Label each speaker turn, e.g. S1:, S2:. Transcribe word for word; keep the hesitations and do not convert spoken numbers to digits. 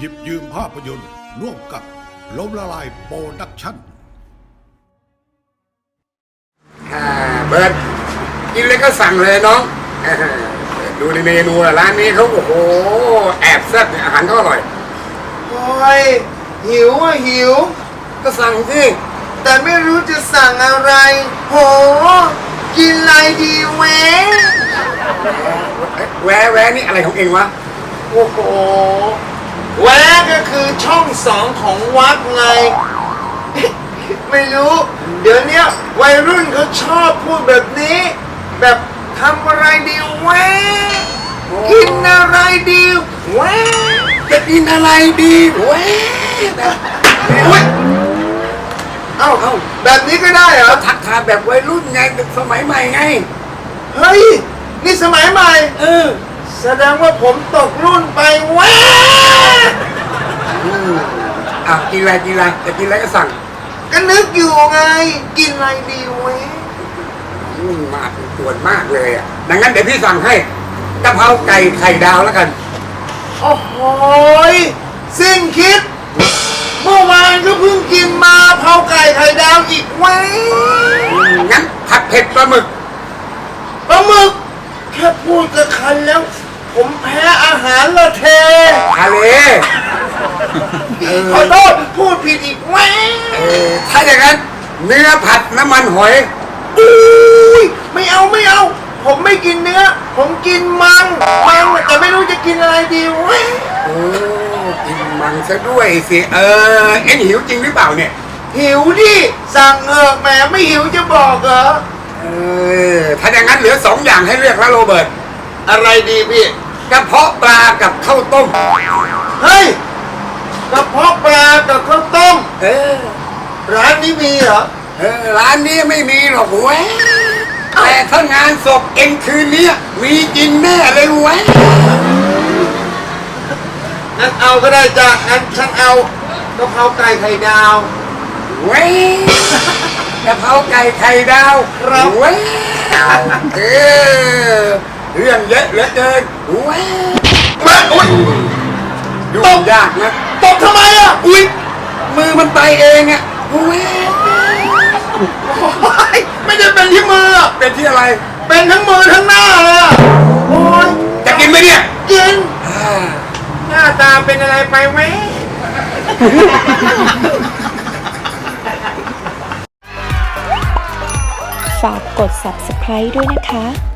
S1: หยิบยืมภาพยนตร์ร่วมกับล้มละลายโปรดักชั่น
S2: เบิร์ดกินเลยก็สั่งเลยน้องดูในเมนูร้านนี้เขาโอ้โหแอบแซ่บอาหารเขาอร่อย
S3: โอ้ยหิวอ่ะหิว
S2: ก็สั่งสิ
S3: แต่ไม่รู้จะสั่งอะไรโหกินอะไรดีแวะ
S2: แวะแวะนี่อะไรของเองวะ
S3: โอ้โหแวะก็คือช่องสองของวัดไงไม่รู้เดี๋ยวนี้วัยรุ่นเขาชอบพูดแบบนี้แบบทำอะไรดีแวะกินอะไรดีแวะ
S2: จะกินอะไรดีแวะ
S3: อุ้ยเอ้าเอ้าแบบนี้ก็ได้เหรอ
S2: ทักทายแบบวัยรุ่นไงสมัยใหม่ไง
S3: เฮ้ยนี่สมัยใหม่
S2: เออ
S3: แสดงว่าผมตกรุ่นไปแวะ
S2: อ่ะกินอะไรกินอะไรจะกินอะไรก็สั่ง
S3: ก็นึกอยู่ไงกินอะไรดีแวะ
S2: มาเป็นส่วนมากเลยอ่ะดังนั้นเดี๋ยวพี่สั่งให้กะเพราไก่ไข่ดาวแล้วกัน
S3: โอ้โหสิ้นคิดเมื่อวานก็เพิ่งกินมาเผาไก่ไข่ดาวอีกแวะ
S2: งั้นผัดเผ็ดปลาหมึก
S3: ปลาหมึกแค่พูดก็คันแล้วผมแพ้อาหารละเท
S2: ทะเล
S3: ขอโทษพูดผิดอีกแวะ
S2: ถ้าอย่างนั้นเนื้อผัดน้ำมันหอย
S3: อุ้ยไม่เอาไม่เอาผมไม่กินเนื้อผมกินมังมังแต่ไม่รู้จะกินอะไรดีแวะ
S2: โอ้กินมังซะด้วยสิเออเอ็งหิวจริงหรือเปล่าเนี่ย
S3: หิวดิสั่งเออแหมไม่หิวจะบอกเหรอ
S2: เออถ้าอย่างนั้นเหลือสองอย่างให้เลือกแล้วโรเบิร์ต
S3: อะไรดีพี่
S2: กระเพาะปลากับข้าวต้ม
S3: เฮ้ยกระเพาะปลากับข้าวต้ม
S2: เออ
S3: ร้านนี้มีเหรอ
S2: เออร้านนี้ไม่มีหรอกเว้ยแต่ถ้างานศพเอ็งคืนนี้มีกินแน่เลยเว้ย
S3: งั้นเอาก็ได้จ้ะงั้นฉันเอากะเพราไก่ไข่ดาว
S2: เว้ยกะเพราไก่ไข่ดาว
S3: ครับ
S2: เว้ยเออเรื่องเยอะเหลือเกินเว้ย
S3: มาอุ้ย
S2: ยุ่งยากนะ
S3: ตบทำไมอ่ะ
S2: อุ้ยมือมันไปเองอ่ะเว้ย
S3: ไม่ได้เป็นที่มือ
S2: เป็นที่อะไร
S3: เป็นทั้งมือทั้งหน้าเลยโอ้ย
S2: จะกินไหมเนี่ย
S3: กินหน้าตาเป็นอะไรไปไหม
S4: ฝากกด ซับสไครบ์ ด้วยนะคะ